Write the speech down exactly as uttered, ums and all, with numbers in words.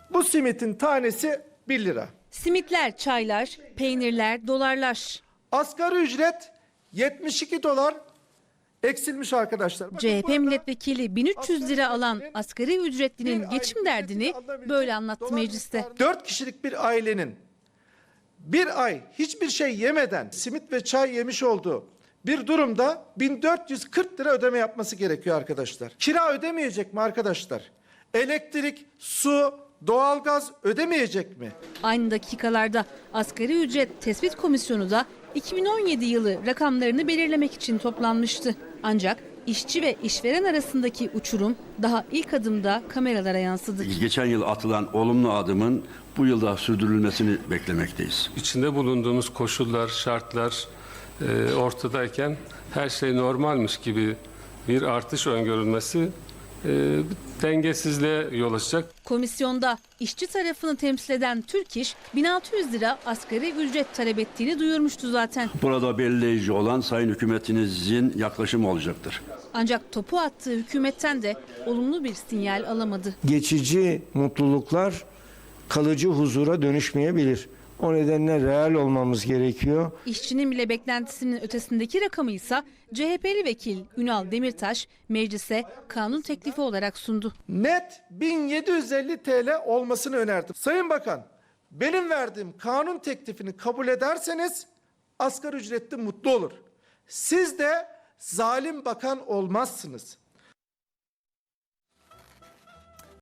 Bu simitin tanesi bir lira. Simitler, çaylar, peynirler, dolarlar. Asgari ücret yetmiş iki dolar eksilmiş arkadaşlar. Bakın C H P burada milletvekili bin üç yüz lira alan asgari ücretlinin bir geçim aylık derdini ücretini alabilecek böyle anlattı dolar mecliste. miktarı- Dört kişilik bir ailenin bir ay hiçbir şey yemeden simit ve çay yemiş olduğu bir durumda bin dört yüz kırk lira ödeme yapması gerekiyor arkadaşlar. Kira ödemeyecek mi arkadaşlar? Elektrik, su, doğalgaz ödemeyecek mi? Aynı dakikalarda asgari ücret tespit komisyonu da iki bin on yedi yılı rakamlarını belirlemek için toplanmıştı. Ancak işçi ve işveren arasındaki uçurum daha ilk adımda kameralara yansıdı. Geçen yıl atılan olumlu adımın bu yılda sürdürülmesini beklemekteyiz. İçinde bulunduğumuz koşullar, şartlar e, ortadayken her şey normalmiş gibi bir artış öngörülmesi e, dengesizliğe yol açacak. Komisyonda işçi tarafını temsil eden Türk İş bin altı yüz lira asgari ücret talep ettiğini duyurmuştu zaten. Burada belirleyici olan sayın hükümetinizin yaklaşımı olacaktır. Ancak topu attığı hükümetten de olumlu bir sinyal alamadı. Geçici mutluluklar kalıcı huzura dönüşmeyebilir. O nedenle real olmamız gerekiyor. İşçinin bile beklentisinin ötesindeki rakamı ise C H P'li vekil Ünal Demirtaş meclise kanun teklifi olarak sundu. Net bin yedi yüz elli TL olmasını önerdim. Sayın Bakan, benim verdiğim kanun teklifini kabul ederseniz asgari ücretli mutlu olur. Siz de zalim bakan olmazsınız.